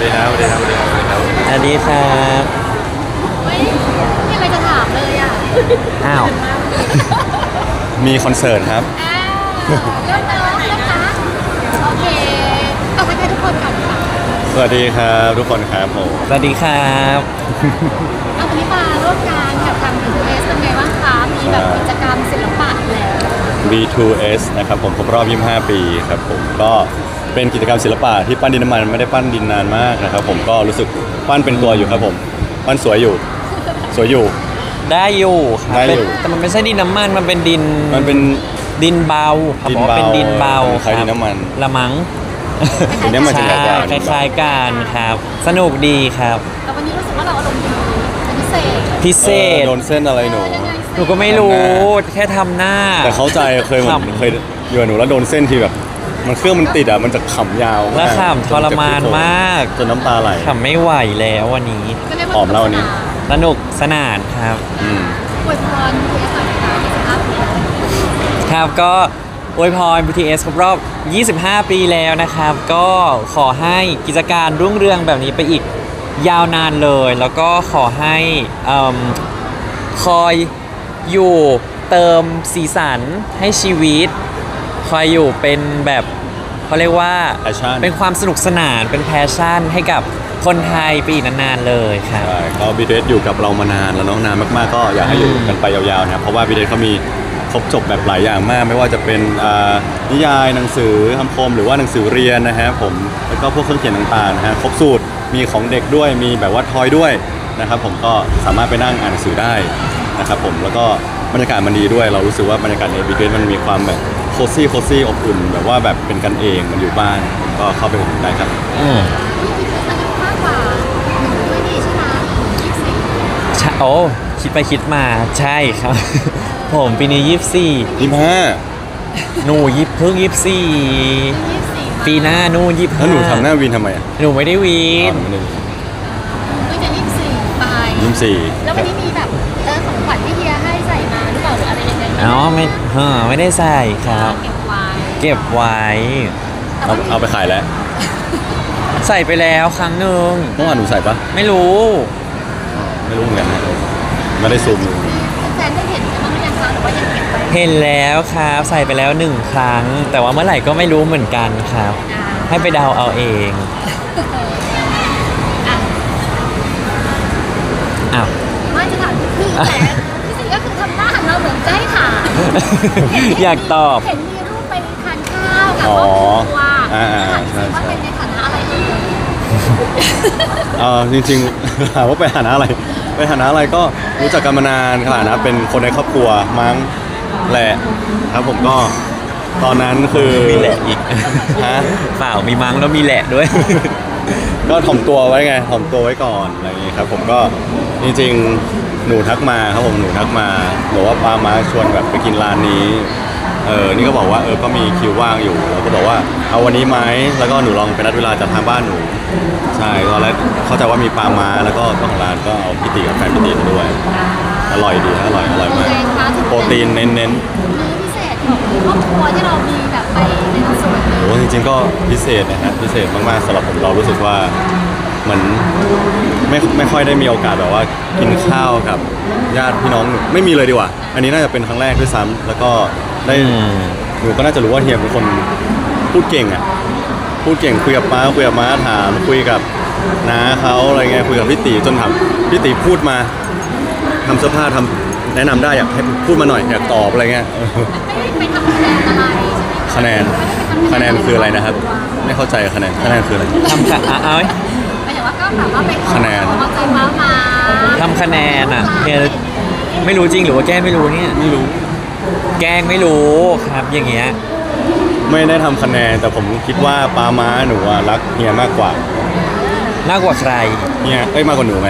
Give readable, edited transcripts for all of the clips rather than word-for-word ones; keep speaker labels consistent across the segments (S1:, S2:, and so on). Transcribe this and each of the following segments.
S1: ดีครับสวัสดีครับสวัสดีครับสวัสดีครับ
S2: สวัสดีครับ
S3: ไม่มีอะไรจะถามเลยอ่ะ
S2: อ้าว
S1: มีคอนเสิร์ตครับ
S3: เริ่มแล้วนะคะโอเคเอาไปให้ทุกคนก่อนค่ะ
S1: สวัสดีครับทุกคนครับผม
S2: สวัสดีครับ
S3: เอาวันนี้มาร่วมงานกับทาง BTS เป็นไงบ้างคะมีแบบกิจกรรมศิลปะอีกแล้ว
S1: B2S นะครับผมครบรอบ 25 ปีครับผมก็เป็นกิจกรรมศิลปะที่ปั้นดินน้ำมันไม่ได้ปั้นดินนานมากนะครับผมก็รู้สึกปั้นเป็นตัวอยู่ครับผมปั้นสวยอยู่สวยอยู่
S2: ได้อยู่ครับ
S1: ได้อยู่
S2: แต่มันไม่ใช่ดินน้ำมันมันเป็นดิน
S1: มันเป็น
S2: ดินเบาครับ
S1: ดิน
S2: บอกว่า
S1: เบา
S2: เป็นดินเบา
S1: คล้ายดินน้ำมัน
S2: ละมัง
S1: ดินน้ำมัน
S2: ใช่
S1: จะใหญ่กว่า
S2: คล้ายๆกันครับ สนุกดีครับ
S3: แต่วันนี้รู้สึกว่าเราอารมณ์ดีเป็นพิเศษ
S2: พิเศษ
S1: โดนเส้นอะไรหนู
S3: ยังไงสิ
S2: หนูก็ไม่รู้แค่ทำหน้า
S1: แต่เข้าใจเคยเหมือน
S2: ขำ
S1: เคยอยู่กับหนูแล้วโดนเส้นที่แบบ มันเครื่องมันติดอ่ะมันจะขำยาว
S2: และ
S1: มาก
S2: ขำทรมานมาก
S1: จนน้ำตาไหล
S2: ทำไม่ไหวแล้ววันนี้
S3: ก็เรียกว่า
S1: หอมแล้ววันนี้
S2: สนุกสนานครับ
S1: อืม
S3: อวยพร BTS หน่อยค่ะ25 ปี
S2: ครับก็อวยพร BTS ครบรอบ 25 ปีแล้วนะครับ ก็ขอให้กิจการรุ่งเรืองแบบนี้ไปอีกยาวนานเลย แล้วก็ขอให้คอยอยู่เติมสีสันให้ชีวิต คอยอยู่เป็นแบบเขาเรียกว่า
S1: Passion
S2: เป็นความสนุกสนานเป็นแพชชั่นให้กับคนไทยไปอีกนานๆเลยครับ
S1: ใช่ก็ BTS อยู่กับเรามานานแล้วเน้องนานมากๆก็อยากให้อยู่กันไปยาวๆนะครับเพราะว่า BTS เขามีครบจบแบบหลายอย่างมาก ไม่ว่าจะเป็นนิยายหนังสือคำคมหรือว่าหนังสือเรียนนะฮะผมแล้วก็พวกเครื่องเขียนต่างๆนะฮะครบสูตรมีของเด็กด้วยมีแบบว่าทอยด้วยนะครับผมก็สามารถไปนั่งอ่านหนังสือได้นะครับผมแล้วก็บรรยากาศมันดีด้วย เรารู้สึกว่าบรรยากาศใน BTS มันมีความแบบโคซี่อบอุ่นแบบว่าแบบเป็นกันเองมันอยู่บ้านก็เข้าไปอุดหนุนได้ครับ
S2: อืม
S3: BTS อายุมากกว่าหนูด้วยนี่ใช่ไหม24
S2: ใช่โอ้คิดไปคิดมาใช่ครับ ผมปีนี้
S1: 25
S2: หนูเพิ่ง24
S3: 24
S2: ปีหน้านู่น25
S1: แล้วหนูทำหน้าวินทำไมอ่ะ
S2: หนูไม่ได้วีน
S3: ก็จะ24ไป
S1: 24
S3: แล้ววันนี้มีแบบของขวัญที่เฮียให้ใส่มาหรือเปล่าหรืออะไรยังไง
S2: อ๋อไม่ได้ใส่ครับ
S3: เก็บไว้
S2: เก็บไว้
S1: เอาไปขายแล้ว
S2: ใส่ไปแล้วครั้งหนึ่ง
S1: เมื่อวานหนูใส่ปะ
S2: ไม่รู้
S1: ไม่รู้เหมือนกันนะไม่ได้ซูมดู
S3: แฟนได้เห็นกันบ้างหรือยังคะหรือว่ายังเก็บไว้
S2: เห็นแล้วครับใส่ไปแล้ว1 ครั้ง แต่ว่าเมื่อไหร่ก็ไม่รู้เหมือนกันครับ ให้ไปเดาเอาเอง
S3: อ่ะ
S2: อ้าว
S3: ไม่จะถามคือแต่ที่สิ่งก็คือทำหน้าหันเราเหมือนจะให้ถาม
S2: อยากตอบ
S3: เห็นมีรูปไปทานข้าวกับครอบครัวถามสิว่าเป็นในฐานะอะไรเอ่ย
S1: จริงๆ ถามว่าไปฐานะอะไร ไปฐานะอะไรก็รู้จักกันมานานขนาดนะเป็นคนในครอบครัวมั้งแหละครับผมก็ตอนนั้นคือ
S2: มีแหละอีก
S1: ฮะ
S2: เปล่ามีมั้งแล้วมีแหละด้วย
S1: ก็ถ่อมตัวไว้ไงถ่อมตัวไว้ก่อนอะไรอย่างงี้ครับผมก็จริงๆหนูทักมาครับผมหนูทักมาบอกว่าป้ามาชวนแบบไปกินร้านนี้นี่ก็บอกว่าก็มีคิวว่างอยู่เราก็บอกว่าเอาวันนี้ไหมแล้วก็หนูลองไปนัดเวลาจากทางบ้านหนูใช่ตอนแรกเข้าใจว่ามีปลาม้าแล้วก็เจ้าของร้านก็เอาพิตีกับแฟนพิตีมาด้วยอร่อยดีอร่อยมากโปรตีนเน้น
S3: มื้อพิเศษของครอบครัวที่เรามีแบบไปในส่วน
S1: ๆโอ้จริงๆก็พิเศษนะฮะพิเศษมากๆสำหรับผมเรารู้สึกว่าเหมือนไม่ค่อยได้มีโอกาสแบบว่ากินข้าวกับญาติพี่น้องไม่มีเลยดีกว่า อันนี้น่าจะเป็นครั้งแรกด้วยซ้ำแล้วก็ได้ หนูก็น่าจะรู้ว่าเฮียเป็นคนพูดเก่งอ่ะพูดเก่งคุยกับป้าคุยกับม้าถามคุยกับน้าเขาอะไรเงี้ยคุยกับพี่ตีจนถามพี่ตีพูดมาทำเสื้อผ้าทำแนะนำได้อยากให้พูดมาหน่อยอยากตอบอะไรเงี้ย
S3: ไม่ได้ไปทำคะแนนอะไรใช่ไหม
S1: คะแนนคืออะไรนะครับ ไม่เข้าใจคะแนนคืออะไร
S2: ทำเอา
S3: หมายถึงว่าก็แบบว่าไปขอ
S1: คะแนน
S3: กำลังใจป้ามา
S2: ทำคะแนนอ่ะเนี่ยไม่รู้จริงหรือว่าแกล้งไม่รู้เนี่ย
S1: ไม่รู้
S2: แกล้งไม่รู้ครับอย่างเงี้ย
S1: ไม่ได้ทำคะแนนแต่ผมคิดว่าป้าม้าหนูอะรักเฮียมากกว่า
S2: มากกว่าใคร
S1: เฮียมากกว่าหนูไหม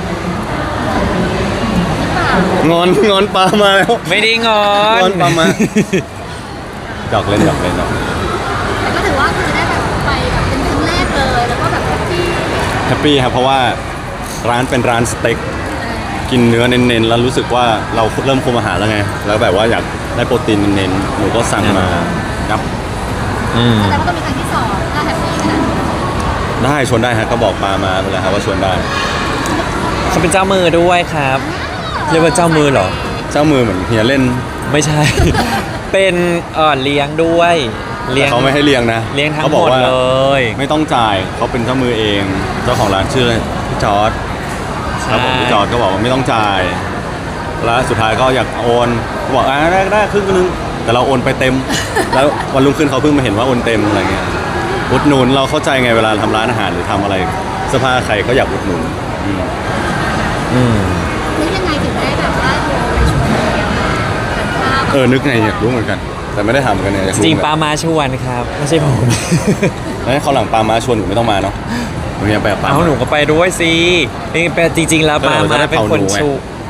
S1: งอนป้ามาแล้ว
S2: ไม่ได้งอน
S1: งอนป้ามาหยอกเล่น
S3: แต่ก็ถือว่าคือได้แบบไปแบบเป็นครั้งแรกเลยแล้วก็แบบที่
S1: แฮปปี้ครับเพราะว่าร้านเป็นร้านสเต็กกินเนื้อเน้นๆแล้วรู้สึกว่าเราเริ่มคุมอาหารแล้วไงแล้วแบบว่าอยากได้โปรตีนเน้นๆหนูก็สั่งมาครับ
S2: อืม
S3: แสดงว่าต้องมีครั้งที่2ถ้าแฮปปี้ขนาดนี้
S1: ได้ชวนได้ฮะก็บอกปามาไปแล้วครับว่าชวนได้
S2: เขาเป็นเจ้ามือด้วยครับ เรียกว่าเจ้ามือเหรอ
S1: เจ้ามือเหมือนเฮียเล่น
S2: ไม่ใช่ เป็นเลี้ยงด้วยเลี้ย
S1: แต่
S2: ง
S1: เขาไม่ให้เลี้ยงนะ
S2: เลี้ยงทั้ง
S1: เขา
S2: ห
S1: บ
S2: ม
S1: อก
S2: ด
S1: ว่า
S2: เลย
S1: ไม่ต้องจ่ายเขาเป็นเจ้ามือเอง เจ้าของร้านชื่ออะไรพี่จอร์ดครับผมพี่จอร์ดก็บอกว่าไม่ต้องจ่าย แล้วสุดท้ายก็อยากโอนบอกได้ครึ่งนึงแต่เราโอนไปเต็ม แล้ววันรุ่งขึ้นเขาเพิ่งมาเห็นว่าโอนเต็มอะไรเงี้ยอุดหนุนเราเข้าใจไงเวลาทำร้านอาหารหรือทำอะไรเสื้อผ้าใครก็อยากอุดหนุนอืม
S2: อืม
S3: นึกยังไงถึงได้แบบว่าโทรไปชวนเลี้ยงทานข้าว
S1: นึกไงอยากรู้เหมือนกัน แต่ไม่ได้ทำกันเนี่ยอยาก
S2: จ
S1: รู้
S2: ริง
S1: เหมือน
S2: ปา
S1: กัน
S2: มาชวนครับไม่ใช่ผม
S1: แล้วเขาวหลังปามาชวนหนูไม่ต้องมาเนาะหนูยังไปกับปา
S2: เอา
S1: มา
S2: หนูก็ไปด้วยสินี่เป็นจริง ๆ แล้ว
S1: เออ
S2: ปา
S1: จะ
S2: มา
S1: ได้
S2: เป็น
S1: เผา
S2: คน
S1: หนูไง
S2: ชู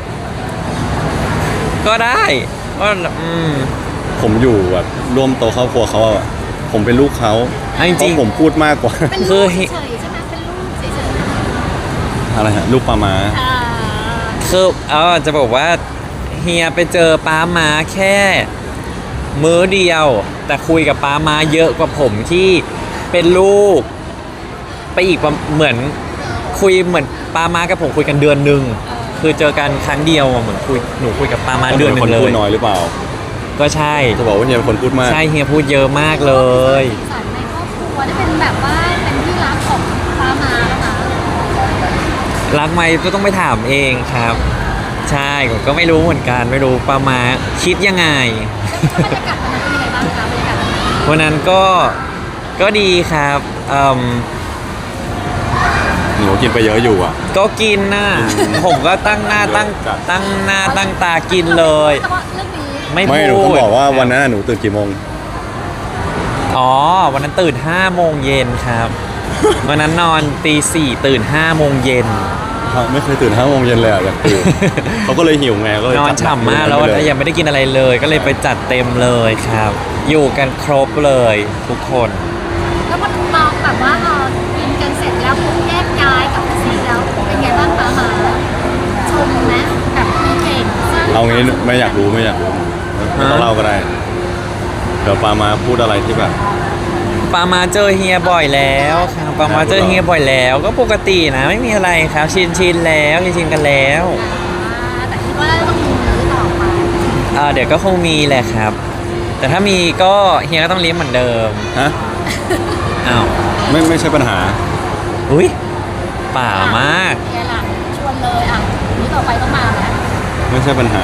S2: ก็ได้ก็
S1: ผมอยู่แบบร่วมโตะครอบครัวเขาอะผมเป็นลูกเขา
S2: เอาจ
S1: เพ
S2: ริง
S1: ราะผมพูดมากกว่า
S3: เป็น
S2: คื
S3: ลู
S2: อก
S3: เฉยๆใช่ไหมเป็นลูกเฉย
S1: อะไรฮะลูกปามา
S3: ๆ
S2: คือจะบอกว่าเฮียไปเจอป้ามาแค่มื้อเดียว แต่คุยกับป้ามาเยอะกว่าผมที่เป็นลูก ไปอีกเหมือนคุยเหมือนป้ามากับผมคุยกันเดือนหนึ่งคือเจอกันครั้งเดียวอะเหมือนหนูคุยกับป้ามาเดือนหนึ่
S1: คน
S2: งเล
S1: พูด
S2: ย
S1: น้อยหรือเปล่า
S2: ก็ใช่
S1: จะบอกว่าเฮียเป็นคนพูดมาก
S2: ใช่เฮียพูดเยอะมากเลย
S3: สีสันในครอบครัวได้เป็นแบบว่าเป็นที่รักของป้ามาแล้วนะ
S2: รักไหมก็ต้องไปถามเองครับ ใช่ผมก็ไม่รู้เหมือนกันไม่รู้ป้ามาคิดยังไง
S3: แล้วบรรยากาศวันนั้นเป็นยังไงบ้างคะบรรยากาศวันนั้น
S2: วันนั้นก็ดีครับ
S1: หนูกินไปเยอะอยู่อ่ะ
S2: ก็กินน่ะ ผมก็ตั้งหน้าตั้ง
S1: จัด
S2: ตั้งหน้าตั้งตากินเลย
S3: แต่ว่าเรื่องนี้
S2: ไม่
S1: ไม่หนู
S2: พู
S1: ต้อง
S2: ด
S1: บอกว่าวันนั้นหนูตื่นกี่โมง
S2: อ๋อวันนั้นตื่น5 โมงเย็นครับ วันนั้นนอนตี 4ตื่น5 โมงเย็น
S1: ไม่เคยตื่น5 โมงเย็นเลยอ่ะอยากตื่น เขาก็เลยหิวไงก็เลย
S2: นอน
S1: จัดห
S2: ฉ่ำมากแล้ว
S1: ไปเย
S2: ยังไม่ได้กินอะไรเลย ก็เลยไปจัดเต็มเลยครับ อยู่กันครบเลยทุกคน
S3: แล้วพอมองแบบว่ากินกันเสร็จแล้วปุ๊บแยกย้ายกับซีแล้วเป็นไงบ้างป้ามาชมไหมแบบมีเก่งสร้
S1: เอางี้ไม่อยากรู้ไม่ต้องเล่าก็ได้เดี๋ยวปามาพูดอะไรที่แบบ
S2: ปามาเจอเฮียบ่อยแล้วครับปามาเจอเฮียบ่อยแล้ว ก็ปกตินะไม่มีอะไรครับชินแล้วชินกันแล้ว
S3: แต่คิดว่าต้องมีมื้อต่อไป
S2: เดี๋ยวก็คงมีแหละครับ แต่ถ้ามีก็เฮียก็ต้องเลี้ยงเหมือนเดิม
S1: ฮะ
S2: อ้าว
S1: ไม่ใช่ปัญหา
S2: อุ้ยป่ามาก
S3: เฮียหลังชวนเลยมื้อต่อไปต้องมาไหม
S1: ไม่ใช่ปัญหา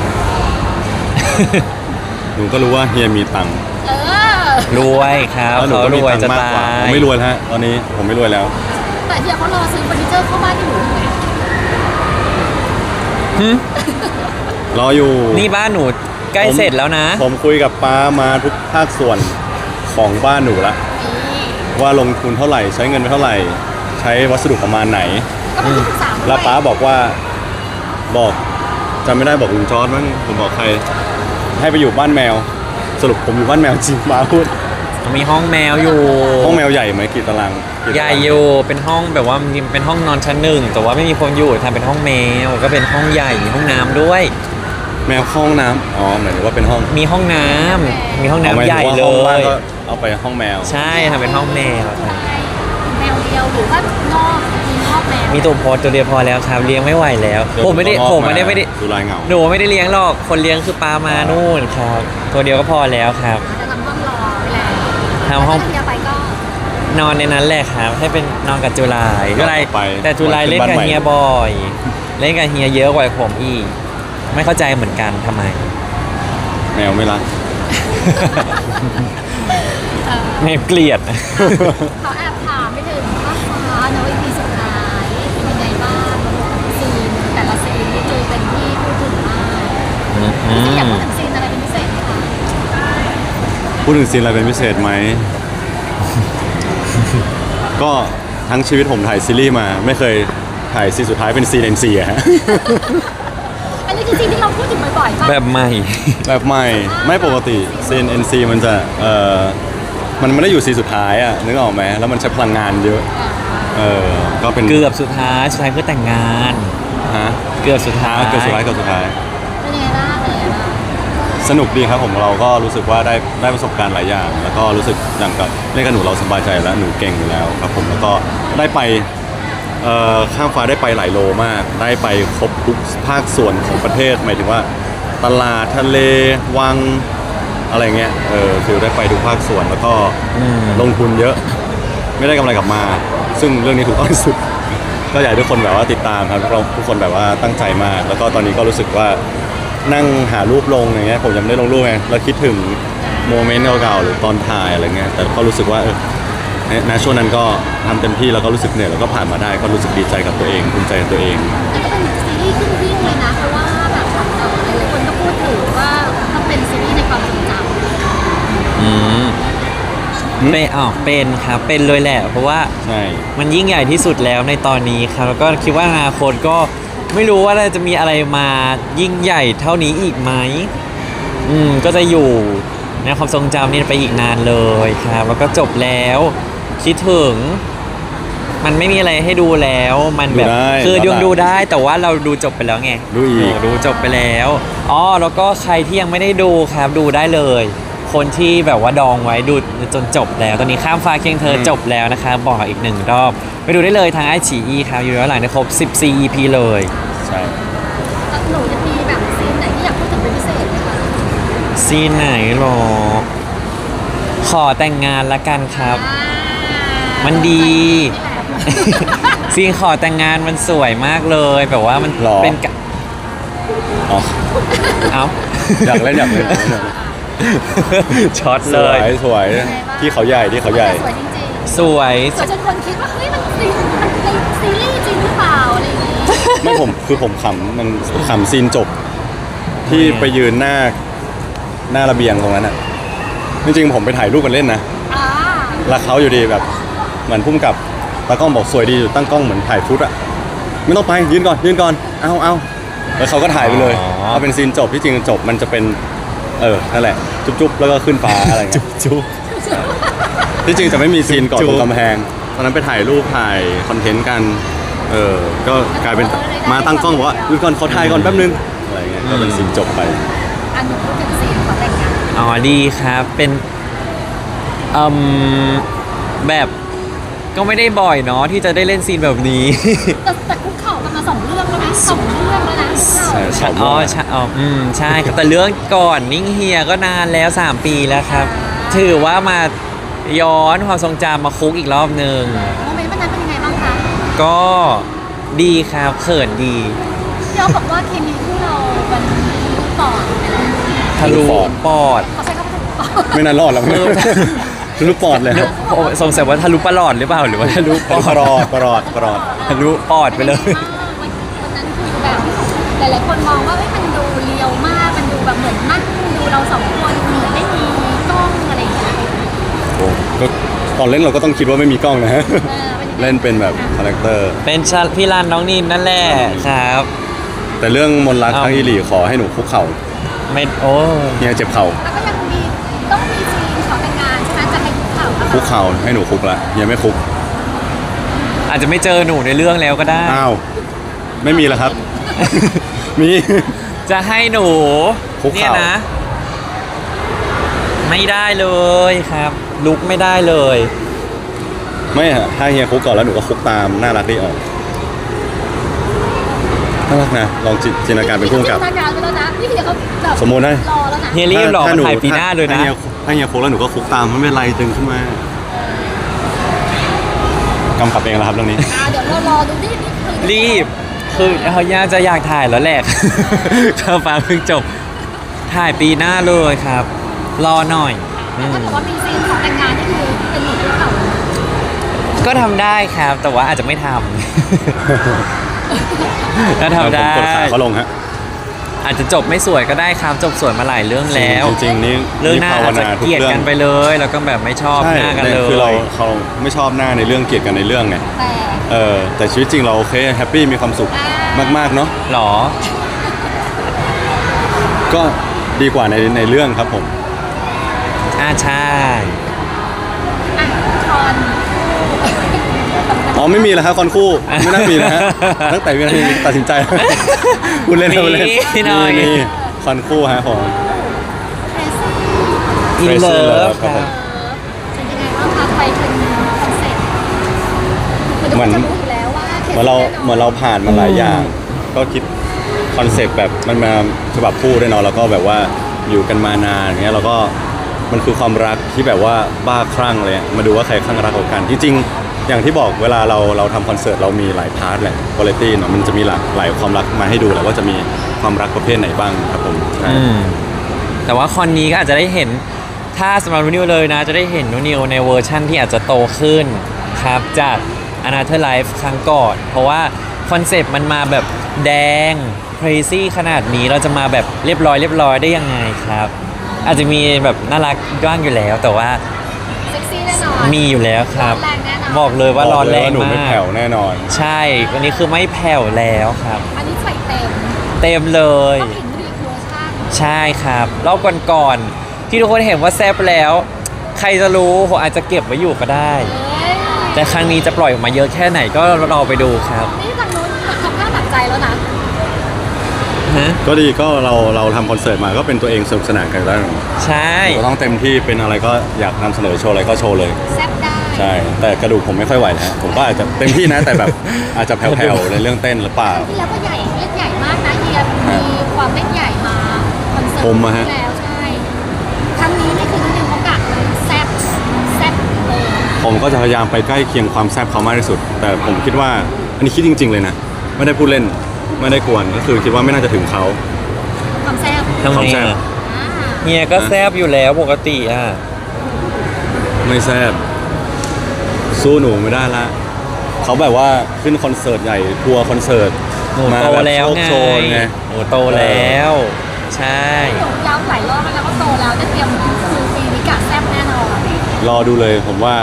S1: หนูก็รู้ว่าเฮียมีตังค์
S2: รวยครับ
S1: แล้วหนู
S2: เขา
S1: ก็
S2: ร
S1: มี
S2: วย
S1: ตัง
S2: จะ
S1: ค์มาก
S2: ตาก
S1: ว่าผม
S2: ย
S1: ไม่รวยแล้วฮะตอนนี้ผมไม่รวยแล้ว
S3: แต่เฮียเขารอซื้อเฟอร์นิเจอร์เข้าบ้านอยู่ไง
S2: หึ
S1: รออยู่
S2: นี่บ้านหนูใกล้เสร็จแล้วนะ
S1: ผมคุยกับป้ามาทุกภาคส่วนของบ้านหนูละ
S3: นี่
S1: ว่าลงทุนเท่าไหร่ใช้เงินไปเท่าไหร่ ใช้วัสดุประมาณไหน
S3: ก็เป็นที่ปรึกษาด้วย
S1: แล้วป้าบอกว่าบอกจำไม่ได้บอกลุงจอร์ดมั้งผมบอกใคร ให้ไปอยู่บ้านแมว สรุปผมอยู่บ้านแมวจริงป้าพูด
S2: มีห้องแมวอยู่
S1: ห้องแมวใหญ่ไหมกี่ตารางกี่ตาราง
S2: ใหญ่อยู่เป็นห้องแบบว่ามีเป็นห้องนอนชั้นหนึ่งแต่ว่าไม่มีคนอยู่ทำเป็นห้องแมวก็เป็นห้องใหญ่มีห้องน้ำด้วย
S1: แมวเข้าห้องน้ำอ๋อหมายถึงว่าเป็นห้อง
S2: มีห้องน้ำมีห้องน้ำ
S1: อ๋อมาย
S2: ใหญ่
S1: ถึงว่า
S2: เล
S1: ห้องบ้าน
S2: ย
S1: ก็เอาไปห้องแมว
S2: ใช่ทำเป็นห้องแมวครับ
S3: แมวเดียวหรือว่านอกมีนอกแมว
S2: มีตัวโพสตัวเดียวพอแล้วครับเลี้ยงไม่ไหวแล้ว ผมไม่ได้
S1: ดูลายเหงา
S2: หนูไม่ได้เลี้ยงหรอกคนเลี้ยงคือปลามานู่นครับ ตัวเดียวก็พอแล้วครับ
S3: จะทำห้องรอไปแล้ว
S2: ทำห้อง
S3: ถ้าเฮียไปก็
S2: นอนในนั้นแหละครับ ให้เป็นนอนกับจุฬาจุฬา
S1: ไป
S2: แต่จุฬาเล่นกับเฮียบ่อย เล่นกับเฮียเยอะกว่าผมอีก ไม่เข้าใจเหมือนกันทำไม
S1: แมวไม่รัก
S2: ไม่เกลียด
S3: เขาแอบถามไม่ถึงว่าฟ้าเนอะ EP สุดท้ายเป็นยังไงบ้างซีนแต่ละซีนนี่คือเป็นที่พูดถึงมากซีอยากพูดถึงซีนอะไรเป็นพิเศษไหมคะ
S1: พูดถึงซีนอะไรเป็นพิเศษไหม ก็ทั้งชีวิตผมถ่ายซีรีส์มาไม่เคยถ่ายซีนสุดท้ายเป็นซีนเอ็นซีอะฮะ
S3: อันนี้คือซีนที่เราพูดถึงบ่อยๆป่ะ
S2: แบบใหม่
S1: แบบใหม่ไม่ปกติซีน NC มันจะมันไม่ได้อยู่ซีนสุดท้ายอ่ะนึกออกไหมแล้วมันใช้พลังงานเยอะก็เป็น
S2: เกือบสุดท้ายเพื่อแต่งงาน
S1: ฮะ
S2: เกือบสุดท้าย
S1: เกือบสุดท้ายเกือบสุดท้าย
S3: เป็นยังไงบ้างเป็นยังไงบ้าง
S1: สนุกดีครับผมเราก็รู้สึกว่าได้ประสบการณ์หลายอย่าง แล้วก็รู้สึกอย่างกับเล่นกับหนูเราสบายใจแล้วหนูเก่งอยู่แล้วครับผมแล้วก็ได้ไปข้ามฟ้าได้ไปหลายโลมาก ได้ไปครบทุกภาคส่วนของประเทศหมายถึงว่าตลาดทะเลวังอะไรเงี้ยคือได้ไปทุกภาคส่วนแล้วก็ลงทุนเยอะ ไม่ได้กำไรกลับมา ซึ่งเรื่องนี้ถูกต้องที่สุด ก็อยากให้ทุกคนแบบว่าติดตามครับทุกคนแบบว่าตั้งใจมาก แล้วก็ตอนนี้ก็รู้สึกว่านั่งหารูปลงอย่างเงี้ยผมยังไม่ได้ลงรูปไงแล้วคิดถึงโมเมนต์เก่าๆหรือตอนถ่ายอะไรเงี้ยแต่ก็รู้สึกว่าในช่วงนั้นก็ทำเต็มที่แล้วก็รู้สึกเหนื่อยแล้วก็ผ่านมาได้ก็รู้สึกดีใจกับตัวเองภูมิใจกับตัวเอง
S3: แต่ก็เป็นซีรีส์ขึ้นหิ้งเลยนะเพราะว่าแบบหลายๆคนก็พูดถึงว่าต้องเป็นซีรีส์ในความทรงจำ
S2: เป็นครับเป็นเลยแหละเพราะว่า
S1: ใช่
S2: มันยิ่งใหญ่ที่สุดแล้วในตอนนี้ครับแล้วก็คิดว่าอนาคตก็ไม่รู้ว่าจะมีอะไรมายิ่งใหญ่เท่านี้อีกไหมก็จะอยู่ในความทรงจำนี่ไปอีกนานเลยครับแล้วก็จบแล้วคิดถึง มันไม่มีอะไรให้ดูแล้วมันแบบคือดูได้แต่ว่าเราดูจบไปแล้วไง
S1: ดูอีก
S2: ดูจบไปแล้วแล้วก็ใครที่ยังไม่ได้ดูครับดูได้เลย คนที่แบบว่าดองไว้ดูจนจบแล้ว ตอนนี้ข้ามฟ้าเคียงเธอจบแล้วนะครับบอกอีก1 รอบไปดูได้เลยทางไอฉีอีครับอยู่ย้อนหลังได้ครบ14 EP เลย
S1: ใช่
S3: แล้วหนูจะมีแบบซีนไหนที่อยากพูดถึงเป็นพิเศษไหมคะ
S2: ซีนไหนหรอขอแต่งงานละกันครับ มันดี ซีนขอแต่งงานมันสวยมากเลยแบบว่ามันเป็น
S1: อ๋อ
S2: เอ้า
S1: อยากเล่น
S2: ช็อต
S1: ส
S2: เล
S1: วย ยสวยที่เขาใหญ่ที่เขาใหญ่
S3: สวยจริง
S2: สวย
S3: ๆสวยจนคนคิดว่าเฮ้ยมันเป็นซีรีส์จริงหรือเปล่าอะไรอย่างงี้
S1: ไม่ผมขำมันขำซีนจบ ที่ไปยืนหน้าระเบียงตรงนั้นอ่ะจริงๆผมไปถ่ายรูปกันเล่นนะ
S3: อ่า
S1: แล้วเขาอยู่ดีแบบเหมือนพุ่มกับตากล้องบอกสวยดีอยู่ตั้งกล้องเหมือนถ่ายฟุตอ่ะไม่ต้องไปยืนก่อนเอาแล้วเขาก็ถ่ายไปเลยเอาเป็นซีนจบที่จริงจบมันจะเป็นนั่นแหละจุ๊บแล้วก็ขึ้นฟ้าอะไรเงี้ย
S2: จุ๊บ
S1: ที่จริงจะไม่มีซีนก่อน
S2: จุ๊
S1: ต
S2: บ
S1: รงกำแพงตอนนั้นไปถ่ายรูปถ่ายคอนเทนต์กันก็กลายเป็นมาตั้งกล้องบอกว่าหยุดก่อนขอถ่ายก่อนแป๊บนึงอะไรเงี้ยก็เป็นซีนจบไป
S3: อันหนูพูดถึงซีนขอแต่งงาน
S2: ดีครับเป็นแบบก็ไม่ได้บ่อยเนาะที่จะได้เล่นซีนแบบนี้
S3: แต่คุกเข่ากันมา2 เรื่องแล้วนะ2 เรื่องแล้วนะคุกเข่า
S1: ใช่
S2: ใช่ครับแต่เรื่องก่อนนิ่งเฮียก็นานแล้ว3 ปีแล้วครับ ถือว่ามาย้อนความทรงจำมาคุกอีกรอบหนึ่ง
S3: โมเมนต์วันนั้นเป็นยังไงบ้างคะ
S2: ก็ดีครับเขินดี
S3: พี่อ๊อฟบอกว่าเคมีคู่เรามันปอดไปแล้ว
S2: ทะลุปอด
S3: เขาใช้คำว่าทะลุปอด
S1: ไม่นานรอดแล้วทะลุปอดเลยครับ
S2: สงสัยว่าทะลุปลอดหรือเปล่าหรือว่าทะลุปอด
S1: ปลอด
S2: ทะลุปอดไปเลย
S3: วันนั้นคือแบบหลายๆคนมองว่ามันดูเรียวมากมันดูแบบเหมือนนั่งดูเรา2 คนเหมือนไม่มีกล้องอะไรอย่างเงี้ย
S1: ก็ตอนเล่นเราก็ต้องคิดว่าไม่มีกล้องนะฮะ
S3: เป็นยังไง
S1: เล่นเป็นแบบคาแรคเตอร์
S2: เป็นพี่รันน้องนินนั่นแหละครับ
S1: แต่เรื่องมนต์รักครั้งอีหลีขอให้หนูคุกเข่า
S2: ไม่โอ้
S1: เฮียเจ็บเข่า
S3: แล้วก็ยังมีต้องมีซีนขอแต่งงานใช่ไหมจะให้คุกเข่า
S1: คุกเข่าให้หนูคุกละเฮียไม่คุก
S2: อาจจะไม่เจอหนูในเรื่องแล้วก็ได้
S1: อ้าวไม่มีแล้วครับ มี
S2: จะให้หนู
S1: คุก
S2: เนี่ย
S1: เข่า
S2: นะ ไม่ได้เลยครับ ลุกไม่ได้เลย
S1: ไม่ฮะถ้าเฮียคุกก่อนแล้วหนูก็คุกตามน่ารักดีออกน่ารักนะลองจินตนาการเป็นผู้กำกับ
S3: จินตนาการไปแล้วนะนี่คือเขาแบบ
S1: สมมุตินะ
S3: รอแล้วนะ
S2: เฮียรีบหรอกมันถ่ายปีหน้าเลยนะ
S1: ถ้าเฮียคุกแล้วหนูก็คุกตามไม่เป็นไรตึงขึ้นมากำกับเองแล้วครับเรื่องนี้
S3: เดี๋ยวเรารอดูนี่คือ
S2: รีบ คือเขาย่าจะอยากถ่ายแล้วแหละ ข้าวฟ้าเพิ่งจบ ถ่ายปีหน้าเลยครับ รอหน่อย
S3: แต่ถ้าบอกว่ามีซีนขอแต่งงานนี่คือเป็นหนูคุกเข่า
S2: ก็ทำได้ครับ แต่ว่าอาจจะไม่ทำ ถ้าทำได้
S1: ผมกดขาเขาลงฮะ
S2: อาจจะจบไม่สวยก็ได้ครับ จบสวยมาหลายเรื่องแล้ว
S1: จริงๆนี่
S2: เรื่องหน้า
S1: ภาว
S2: อาจจะ
S1: นาทุ
S2: เกลียด
S1: รื่อง
S2: กันไปเลย แล้วก็แบบไม่ชอบ
S1: ใช่
S2: หน้ากันเลย
S1: คือเขาไม่ชอบหน้าในเรื่องเกลียดกันในเรื่องไง
S3: แต่
S1: แต่ชีวิตจริงเราโอเคแฮปปี้มีความสุขมากๆเนาะ
S2: หรอ
S1: ก็ดีกว่าในเรื่องครับผม
S2: ใช่
S3: อ่ะคอน
S1: อ๋อไม่มีแล้วครับคอนคู่ไม่น่ามีนะฮะตั้งแต่วินาทีตัดสินใจ คุณเล่นคุณเล่น
S2: มีหน่อย
S1: มีคอนคู่ฮะของ
S3: เทรซี่
S2: อินเลิ
S1: Crazy
S2: ฟ
S1: Love
S2: ครับ
S3: เป็นยังไงบ้างคะไปเป็นคอนเซ็ปต์คือดู
S1: เหมือน
S3: จะรู้อยู่แล้วว่า
S1: เหมือนเราผ่านมาหลายอย่าง ก็คิดคอนเซปต์แบบมันมาฉบับคู่ด้วยเนาะแล้วก็แบบว่าอยู่กันมานานอย่างเงี้ยแล้วก็มันคือความรักที่แบบว่าบ้าคลั่งเลยมาดูว่าใครคลั่งรักกว่ากันจริงๆอย่างที่บอกเวลาเราทำคอนเสิร์ตเรามีหลายพาร์ทแหละวาไรตี้เนาะมันจะมีหลายความรักมาให้ดูแหละว่าจะมีความรักประเภทไหนบ้างครับผมใช่
S2: แต่ว่าคอนนี้ก็อาจจะได้เห็นถ้าสำหรับนูนิวเลยนะจะได้เห็นนูนิวในเวอร์ชั่นที่อาจจะโตขึ้นครับจาก Another Life ครั้งก่อน เพราะว่าคอนเซปต์มันมาแบบแดง crazy ขนาดนี้เราจะมาแบบเรียบร้อยได้ยังไงครับ อาจจะมีแบบน่ารักบ้างอยู่แล้ว แต่ว่า
S3: เซ็กซี่แน่นอน
S2: มีอยู่แล้วครับ
S3: ร้อนแรงแน่นอน
S2: บอกเลยว่าร้อนแรง
S1: หนู
S2: มา
S1: ไม่
S2: ก
S1: แผ่วแน่นอน
S2: ใช่วันนี้คือไม่แผ่วแล้วครับ
S3: อันนี้ใส่เต็ม
S2: เต็มเลย
S3: ต้องเห็นรีเวอร์ชัน
S2: ใช่ครับรอบก่อนๆที่ทุกคนเห็นว่าแซบแล้ว ใครจะรู้ผมอาจจะเก็บไว้อยู่ก็ได้
S3: เอ้ย
S2: แต่ครั้งนี้จะปล่อยออกมาเยอะแค่ไหนก็รอไปดูครับ
S3: นี่ทางนู้นทำท่าหนักใจแล้วนะ
S2: ฮะ
S1: ก็ดีก็เราทำคอนเสิร์ตมาก็เป็นตัวเองสนุกสนานกันแล้ว
S2: ใช่
S1: ก็ต้องเต็มที่เป็นอะไรก็อยากนำเสนอโชว์อะไรก็โชว์เลย
S3: แซ่บได้
S1: ใช่ แต่กระดูกผมไม่ค่อยไหวนะผมก็อาจจะเต็มที่นะ แต่แบบอาจจะแผ่วๆในเรื่องเต้นหรือเปล่า
S3: ที่แล้วก็ใหญ่เล่นใหญ่มากนะเฮียมีความเล่นใหญ่มาคอนเสิร์ต
S1: ผมอะฮะ
S3: ที่แล้วใช่ครั้งนี้นี่คือนิดนึงเขากะเลยแซ่บเลย
S1: ผมก็จะพยายามไปใกล้เคียงความแซ่บเขามากที่สุด แต่ผมคิดว่าอันนี้คิดจริง ๆเลยนะ ไม่ได้พูดเล่นไม่ได้กวนก็คือคิดว่าไม่น่าจะถึงเขา
S3: ความแซ่บ
S2: ทำ
S1: ความ
S2: ไม
S1: แซ่บ
S2: อะ
S3: อ่า
S2: เฮียก็แซบอยู่แล้วปกติอ่ะ
S1: ไม่แซ่บสู้หนูไม่ได้ละเขาแบบว่าขึ้นคอนเสิร์ตใหญ่ทัวร์คอนเสิร์ต
S2: หนู
S1: มา
S2: โต
S1: แบบ
S2: แล้ว
S1: โชค
S2: ไง
S1: โชนไง
S2: หนูโตแล้ว ใช่
S3: หนูย้ำหลายรอบแล้วนะว่าโตแล้วได้เตรียมคือปีนี้กะแซ่บแน่นอน
S1: รอดูเลยผมว่า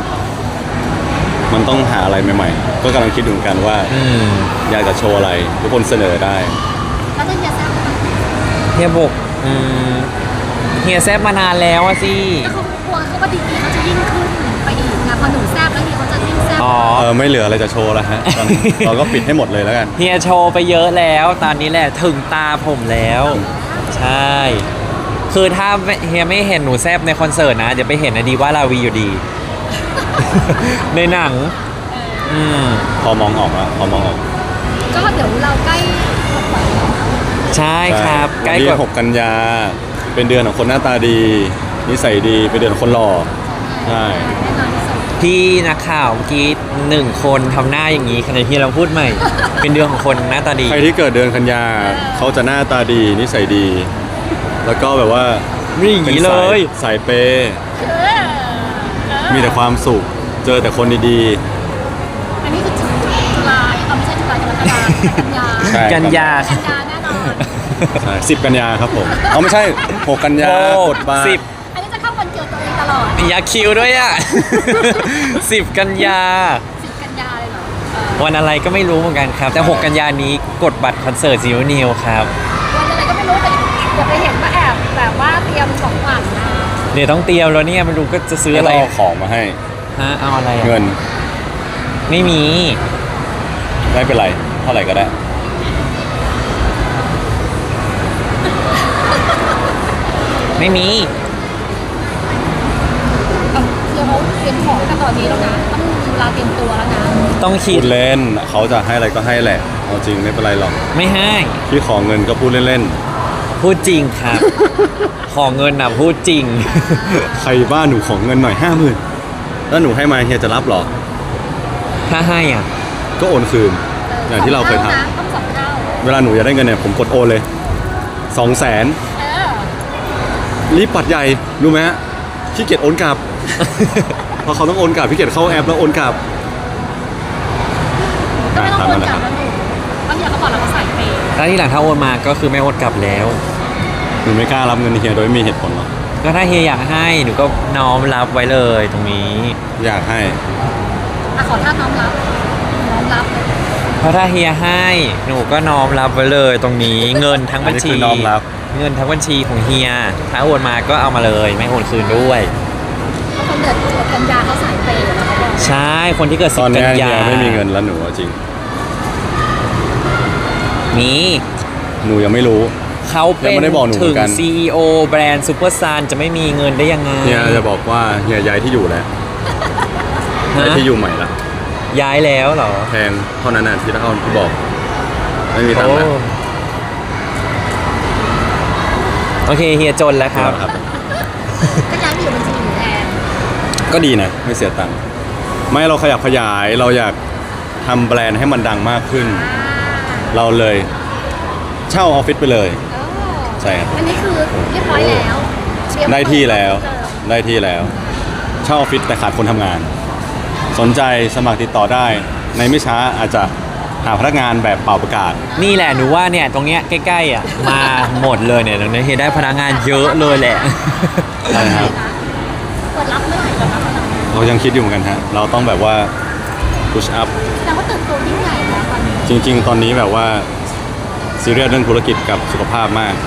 S1: มันต้องหาอะไรใหม่ๆ ก็กำลังคิดอยู่เหมือนกันว่า อยากจะโชว์อะไร ทุกคนเสนอได้
S3: แล้วถ้าเฮียแซ่บไหม
S2: เฮียบอกเฮียแซบมานานแล้วอะสิ
S3: ก็เขากลัวเขาว่าดีๆเขาจะยิ่งขึ้นไปอีกนะพอหนูแซ่บแล้วเฮียเขาจะยิ่งแซ่บ
S2: อ๋อ
S1: ไม่เหลืออะไรจะโชว์แล้วฮะตอนนี้ เราก็ปิดให้หมดเลยแล้วกัน
S2: เฮียโชว์ไปเยอะแล้ว ตอนนี้แหละถึงตาผมแล้ว ใช่ คือถ้าเฮียไม่เห็นหนูแซบในคอนเสิร์ตนะ เดี๋ยวไปเห็นอดีว่าลาวีอยู่ดี ในหนัง
S1: พอมองออกอะพอมองออก
S3: ก็เดี๋ยวเราใกล้หมดแล้ว
S2: ใช่ครับ ใกล้
S1: วัน
S2: ก
S1: ที่
S2: ว่า
S1: 6 กันยา เป็นเดือนของคนหน้าตาดี นิสัยดี เป็นเดือนของคนหล่อ ใช่
S3: แน่นอนที่สุด
S2: พี่นักข่าวเมื่อกี้1 คนทำหน้าอย่างนี้ขณะที่เราพูดใหม่ เป็นเดือนของคนหน้าตาดี
S1: ใครที่เกิดเดือนกันยา เขาจะหน้าตาดี นิสัยดี แล้วก็แบบว่า
S2: นี่อย่างนี้เลย
S1: สายเปย์มีแต่ความสุข เจอแต่คนดี
S3: อันนี้คือจุฬาไม่ใช่จุฬากรกฎาคมกันยา
S1: ๆใช่
S2: กันยา
S3: กันยาแน่นอน
S1: ใช่10 กันยาครับผมเอาไม่ใช่ 6 กันยา กดบาร์
S2: 10
S3: อันนี้จะเข้าวันเกิดตัวเองตลอด
S2: อยากคิวด้วยอ่ะ 10 กันยา
S3: 10 กันยาเลยเหรอ
S2: วันอะไรก็ไม่รู้เหมือนกันครับ แต่ 6 กันยานี้กดบัตรคอนเสิร์ตซีนิวครับ
S3: วันอะไรก็ไม่รู้แต่อย่าไปเห็นว่าแอบแบบว่าเตรียมของขวัญนะ
S2: เดี๋ยวต้องเตรียมแล้วเนี่ยไม่รู้ก็จะซื้อ
S1: ให้
S2: อะไร
S1: เราเอาของมาให้
S2: ฮะเอาอะไรอะ
S1: เงิน
S2: ไม่มี
S1: ไม่เป็นไร เท่าไหร่ก็ได้
S2: ไม่มี
S3: เอาคือเขาเตรียมของกันตอนนี้แล้วนะต้องเวลาเตรียมตัวแล้วนะ
S2: ต้องคิ
S1: พู
S2: ด
S1: ดเล่น เขาจะให้อะไรก็ให้แหละ เอาจริงไม่เป็นไรหรอก
S2: ไม่ให้
S1: พี่ขอเงินก็พูดเล่น
S2: พูดจริงครับ ขอเงินนะพูดจริง
S1: ๆ ใครบ้านหนูขอเงินหน่อย50,000แล้วหนูให้มาเฮียจะรับเหรอ
S2: ถ้าให้อ่ะ
S1: ก็โอนคืน อย่างที่เราเคยท
S3: นะต้องสองเท่า
S1: ำเวลาหนูอยากได้เงินเนี่ยผมกดโอนเลย 200,000
S3: เออ
S1: รีบปัดใหญ่รู้ไหมฮะขี้เกียจโอนกลับ เพราะเขาต้องโอนกลับพี่เกียจเข้าแอปแล้วโอนกลับ
S3: ก็ไม่ต้องโอนกลับ
S1: ค
S3: แล้วหนูบางอย่างเขาบอกเราก็ใส่เปย์
S2: ถ้าที่หลังถ้าโอนมาก็คือไม่โอนกลับแล้ว
S1: หนูไม่กล้ารับเงินเฮียโดยไม่มีเหตุผลหรอก
S2: ก็ถ้าเฮียอยากให้หนูก็น้อมรับไว้เลยตรงนี้
S1: อยากให้
S3: อ่ะขอท่าน้อมรับน้อมรับเลย
S2: เพราะถ้าเฮียให้หนูก็น้อมรับไว้เลยตรงนี้เงินทั้งบัญชี
S1: อันนี้คือน้อมรับ
S2: เงินทั้งบัญชีของเฮียถ้าโอนมาก็เอามาเลยไม่โอนคืนด้วย
S3: คนเดือดกันยาเขาใส่เปย์แล้วเขาบอก
S2: ใช่คนที่เกิด
S1: ต
S2: สิ
S1: อบ น
S2: กั
S1: เนี้ย
S2: น
S1: เฮี
S2: ยาย
S1: ไม่มีเงินแล้วหนูเอาจริง
S2: มี
S1: หนูยังไม่รู้
S2: เขาเป็
S1: ยัง
S2: น
S1: ไม่ได้บอกหนูเหมื
S2: ถึ
S1: อง นกัน
S2: CEO แบรนด์ซูเปอร์ซันจะไม่มีเงินได้ยังไง
S1: เฮียจะบอกว่าเฮียย้ายที่อยู่แล้วย้าย
S2: ฮะ
S1: ที่อยู่ใหม่ละ
S2: ย้ายแล้วเหรอ
S1: แพงเท่านั้นน่ะที่เท่าที่บอก ไม่มีตังค์นะ
S2: โอเคเฮียจนแล้วครับ
S1: ครับ
S3: ก็ย้ายไปอยู่บัญชีหนูแทน
S1: ก็ดีนะ ไม่เสียตังค์ไม่เราขยับขยายเราอยากทำแบรนด์ให้มันดังมากขึ้น เราเลยเช่าออฟฟิศไปเลย ใช่ครับ
S3: อันนี้คือเรียบร้อยแล้วเตรียม
S1: ได้ที่แล้ว
S3: เปิด
S1: ได้ที่แล้ว เช่าออฟฟิศแต่ขาดคนทำงาน สนใจสมัครติดต่อได้ ในไม่ช้าอาจจะหาพนักงานแบบเป่าประกาศ
S2: นี่แหละหนูว่าเนี่ยตรงเนี้ยใกล้ๆอ่ะมาหมดเลยเนี่ยตรงนี้เฮียได้พนักงานเยอะเลยแหละ
S1: ใช่ครับ
S3: เปิดรับเมื่อไหร่เปิดรับเมื่อไหร่
S1: เรายังคิดอยู่เหมือนกันฮะ เราต้องแบบว่า push up
S3: แต่ว่าเติบโตยิ่งใหญ่แล้วตอนนี้
S1: จริง ๆ ตอนนี้แบบว่าซีเรียสเรื่องธุรกิจกับสุขภาพมาก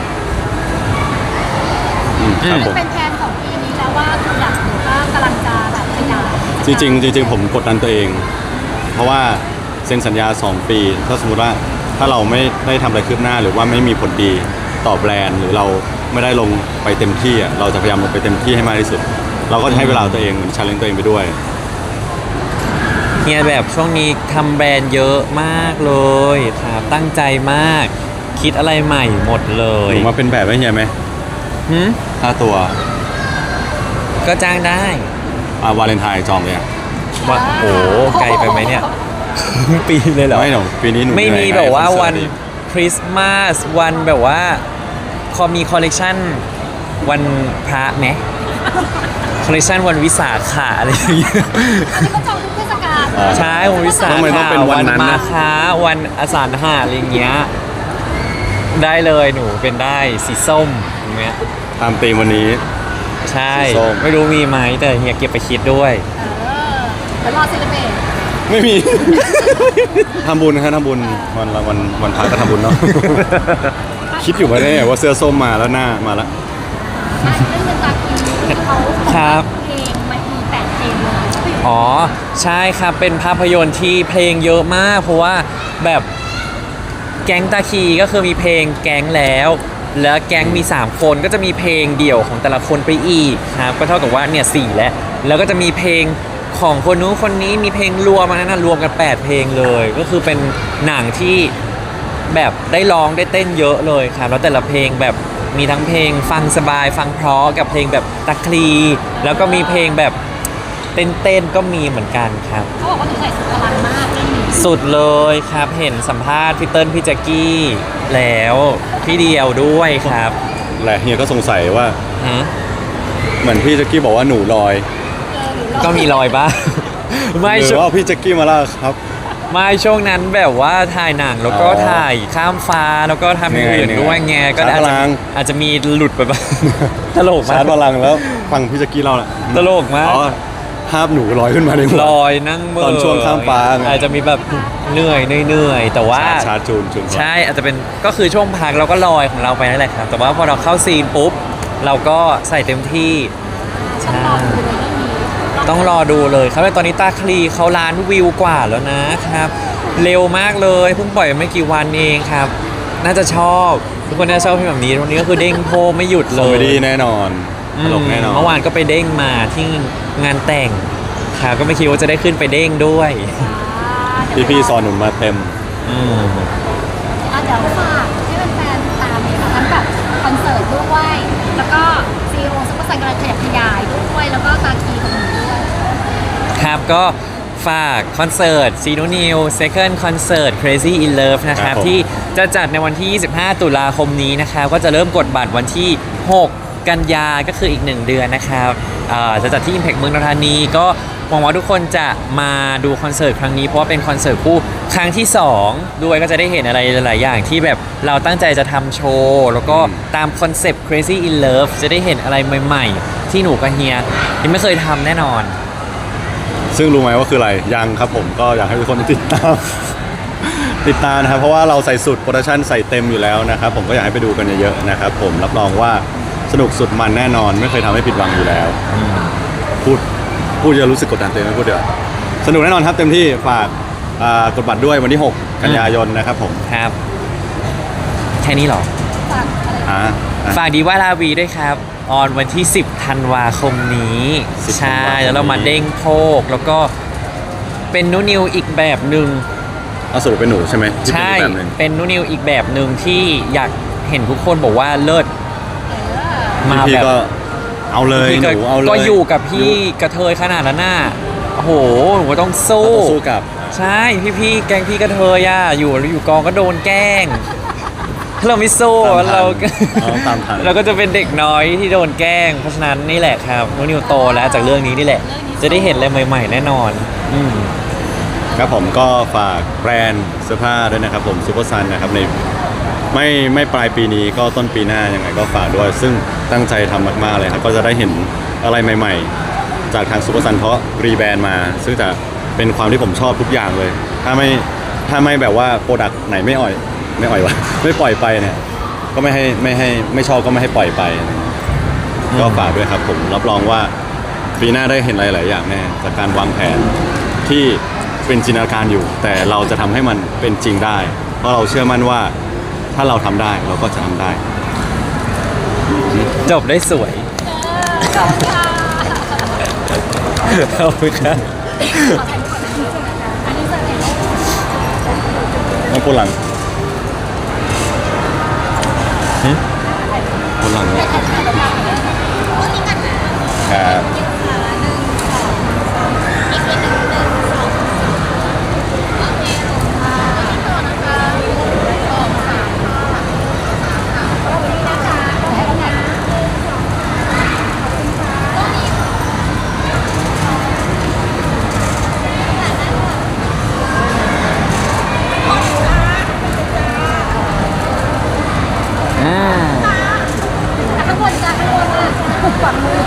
S1: ครับผม
S3: เป็นแผนของปีนี้แล้วว่าคืออยากหรือว่ากำลังจะแบบขยาย
S1: จริงๆผมกดดันตัวเอง เพราะว่าเซ็นสัญญา 2 ปี ถ้าสมมติว่าถ้าเราไม่ได้ทำอะไรคืบหน้า หรือว่าไม่มีผลดีต่อแบรนด์ หรือเราไม่ได้ลงไปเต็มที่อ่ะเราจะพยายามลงไปเต็มที่ให้มากที่สุด เราก็จะให้เวลาตัวเองเหมือนชาเลนจ์ตัวเองไปด้วย
S2: เฮียแบบช่วงนี้ทำแบรนด์เยอะมากเลยครับตั้งใจมาก คิดอะไรใหม่หมดเล
S1: ห
S2: ย
S1: นูมาเป็นแบบให้เฮียไหม
S2: หืม
S1: ค่าตัว
S2: ก็จ้างได้
S1: วาเลนไทน์จองเลยอ่ะ
S2: ว่าโอ้ไกลไปไหมเนี่ย ปีเลยเหรอ
S1: ไม่หนูปีนี้หนู
S2: ไม่มี
S1: เหนื่อย
S2: แบบว่า
S1: คอ
S2: วัน
S1: เสิร์ตอีก
S2: คริสต์มาสวันแบบว่ามีคอลเลกชันวันพระไหมคอลเลกชันวันวิสาขะอะไรอย่างเงี้ย
S3: อันนี้ก็จองทุกเทศกาล
S1: อ่า
S2: ใช่วันวิสา
S1: ทำไมต้อง
S2: ขะ
S1: เป็นวันนั้น
S2: มา
S1: นะ
S2: ค้าวันอสานหะอะไรอย่างเงี้ยได้เลยหนูเป็นได้สีส้มอย่างเงี้ย
S1: ตามธีมวันนี้
S2: ใช่
S1: สีส้ม
S2: ไม่รู้มีไหมแต่เฮียเก็บไปคิดด้วย
S3: เดี๋ยวรอเซเลเบรต
S1: ไม่มี ทำบุญนะฮะทำบุญวันพระก็ทำบุญเนาะ คิดอยู่มาได้ไงว่าเสื้อส้มมาแล้วหน้ามาแล้ว
S3: เรื่องเงินตาคีเขา
S2: ครับ
S3: เพลงมันมี8เพลงเลย
S2: อ๋อใช่ครับเป็นภาพยนตร์ที่เพลงเยอะมาก เพราะว่าแบบแก๊งตาคีก็คือมีเพลงแก๊งแล้ว แล้วแก๊งมี 3 คนก็จะมีเพลงเดี่ยวของแต่ละคนไปอีกครับก็เท่ากับว่าเนี่ย4แล้วก็จะมีเพลงของคนนู้นคนนี้มีเพลงรวมอันนั้นนะรวมกัน 8 เพลงเลย ก็คือเป็นหนังที่แบบได้ร้องได้เต้นเยอะเลยครับแล้วแต่ละเพลงแบบมีทั้งเพลงฟังสบายฟังเพราะกับเพลงแบบตะคลีแล้วก็มีเพลงแบบเต้นๆก็มีเหมือนกันครับ
S3: เขาบอกว่าหนูใส่สุดพลังมากเรื่องนี้
S2: สุดเลยครับเห็นสัมภาษณ์พี่เติ้ลพี่แจ็กกี้แล้วพี่เดียวด้วยครับ
S1: แหละเฮียก็สงสัยว่า
S2: ฮะ
S1: เหมือนพี่แจ็กกี้บอกว่าหนูลอย
S2: ก็มีรอยบ้าง ไม่
S1: หรื
S2: ช่
S1: อ
S2: วง
S1: ว่าพี่แจ็กกี้มาล่าครับ
S2: ไม่ช่วงนั้นแบบว่าถ่ายหนังแล้วก็
S1: อ๋อ
S2: ถ่ายข้ามฟ้าแล้วก็ทำอย่างอื่น
S1: เหนื่อย
S2: ด้วยไงก็
S1: ชาร์จพลัง
S2: อาจจะมีหลุดไปบ้าง ตลกมา
S1: ชาก ร์จพลังแล้วฟังพี่แจ็กกี้เล่าแหละ
S2: ตลกมาก
S1: อ๋อภาพหนูลอยขึ้นมาในหัว
S2: ลอยนั่งเมื่
S1: ตอนช่วงข้ามฟ้าไง
S2: อาจจะมีแบบเหนื่อยแต่ว่า
S1: ชาร์จจูนก่อน
S2: ใช่อาจจะเป็นก็คือช่วงพักเราก็ลอยของเราไปนั่นแหละครับ แต่ว่าพอเราเข้าซีนปุ๊บ เราก็ใส่เต็มที่
S3: ต้องรอดูเลยเรื่องนี้
S2: ต้องรอดูเลยครับตอนนี้ตาคลีเขาล้านวิวกว่าแล้วนะครับ เร็วมากเลยเพิ่งปล่อยไม่กี่วันเองครับ น่าจะชอบ ทุกคนน่าจะชอบเพลงแบบนี้วันนี้ก็คือเด้งโพไม่หยุด
S1: ค
S2: เล
S1: อมเม
S2: ย
S1: ดี้แน่นอนตลกแน่นอน
S2: เมื่อวานก็ไปเด้งมาที่งานแต่งครับก็ไม่คิดว่าจะได้ขึ้นไปเด้งด้วย
S1: พี่ๆสอนหนุนมาเต็ม
S2: อืม
S3: เดี๋ยวฝากให้แฟนๆตามเลยค่ะทั้งแบบคอนเสิร์ตด้วยแล้วก็ซีโอซุปเปอร์ไซค์กำลังขยับขยายด้วยแล้วก็ตาคีของหนูด้วย
S2: ครับก็ฝากคอนเสิร์ตซีโนนิว Second Concert Crazy in Love นะครับ
S1: ครับผม
S2: ที่จะจัดในวันที่ 25 ตุลาคมนี้นะครับก็จะเริ่มกดบัตรวันที่ 6 กันยาก็คืออีก 1 เดือนนะครับจะจัดที่ Impact เมืองทองธานีก็หวังว่าทุกคนจะมาดูคอนเสิร์ตครั้งนี้เพราะว่าเป็นคอนเสิร์ตคู่ครั้งที่ 2 ด้วยก็จะได้เห็นอะไรหลาย ๆ อย่างที่แบบเราตั้งใจจะทำโชว์แล้วก็ตามคอนเซปต์ Crazy in Love จะได้เห็นอะไรใหม่ ๆ ที่หนูกับเฮียยังไม่เคยทำแน่นอน
S1: ซึ่งรู้ไหมว่าคืออะไรยังครับผมก็อยากให้ทุกคนติดตาม ติดตามนะครับเพราะว่าเราใส่สุดโปรดักชั่นใส่เต็มอยู่แล้วนะครับผมก็อยากให้ไปดูกันเยอะๆนะครับผมรับรองว่าสนุกสุดมันแน่นอน ไม่เคยทำให้ผิดหวังอยู่แล้วพูดจะรู้สึกกดดันตัวเองไม่พูดเดี๋ยวาสนุกแน่นอนครับเต็มที่ฝากกดบัตรด้วยวันที่ 6 กันยายนนะครับผม
S2: ครับ แค่นี้เหรอ
S3: ฝากอะไร
S1: อ่า
S2: ฝากดีว่าลาวีด้วยครับ ออนวันที่ 10 ธันวาคมนี้
S1: 10
S2: ใช่
S1: ธันวาคมนี้
S2: แล้วเรามาเด้งโพกแล้วก็เป็นนูนิวอีกแบบหนึ่ง
S1: เอาสรุปเป็นหนูใช่ไหมที่เป็น
S2: ใช่
S1: อีกแบบหนึ่ง
S2: เป็นนูนิวอีกแบบหนึ่งที่อยากเห็นทุกคนบอกว่าเลิศมา
S1: พี่
S2: แบบ
S1: ก็เอาเลย
S2: พี่
S1: หนูเอาเลย
S2: ก็อยู่กับพี่กระเทยขนาดนั้นน่ะโอ้โหหนูก็ต้อง
S1: เรา
S2: สู้
S1: ต้องสู้กับ
S2: ใช่พี่แกล้งพี่กระเทยอ่ะอยู่กองก็โดนแกล้งเราไม่สู้
S1: ตามทัน
S2: เราก็
S1: เราต้องตามทัน
S2: เราก็จะเป็นเด็กน้อยที่โดนแกล้ง เพราะฉะนั้นนี่แหละครับนูนิวโตแล้วจากเรื่องนี้นี่แหละ จะได้เห็นอะไรใหม่ ๆ แน่นอน
S1: ครับผมก็ฝากแบรนด์เสื้อผ้าด้วยนะครับผมซูเปอร์ซันนะครับในไม่ปลายปีนี้ก็ต้นปีหน้ายังไงก็ฝากด้วย ซึ่งตั้งใจทำมากๆเลยครับก็จะได้เห็นอะไรใหม่ๆ จากทางซูเปอร์ซันเพราะรีแบรนด์มา ซึ่งจะเป็นความที่ผมชอบทุกอย่างเลย ถ้าไม่แบบว่าโปรดักต์ไหนไม่อ่อยวะ ไม่ปล่อยไปเนี่ยก็ไม่ชอบก็ไม่ให้ปล่อยไป ก็ฝากด้วยครับผมรับรองว่าปีหน้าได้เห็นหลายๆอย่างแน่จากการวางแผนที่เป็นจินตนาการอยู่ แต่เราจะทำให้มันเป็นจริงได้ เพราะเราเชื่อมั่นว่าถ้าเราทำได้เราก็จะทำได้
S2: จบได้สวย
S3: ขอบคุณค่ะ
S2: ขอบคุณครับ
S3: อันนี้เสร็จแล้ว
S1: ไม่พูดหลังพูดหลังครับ
S2: อ่า
S3: ข้างบนจ้ะข้างบนอ่ะขวามือ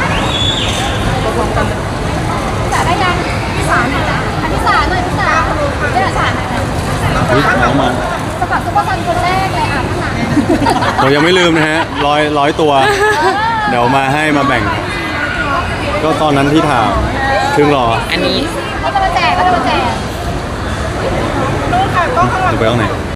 S3: จ่าได้ยังพี่สารหน่อยนะพี่สารหน่อยพี่สารเรียกสารหน่อยนะ
S1: อุ๊ยน้องมา
S3: สมัครซุปเปอร์ซันคนแรกเลยอ่ะข้างหลัง
S1: เรายังไม่ลืมนะฮะร้อยตัว เดี๋ยวมาให้มาแบ่ง ก็ตอนนั้นที่ถามครึ่งรอ
S2: อันนี้
S3: เขาจะมาแจกเขาจะมาแจก
S1: จะไปห้องไหน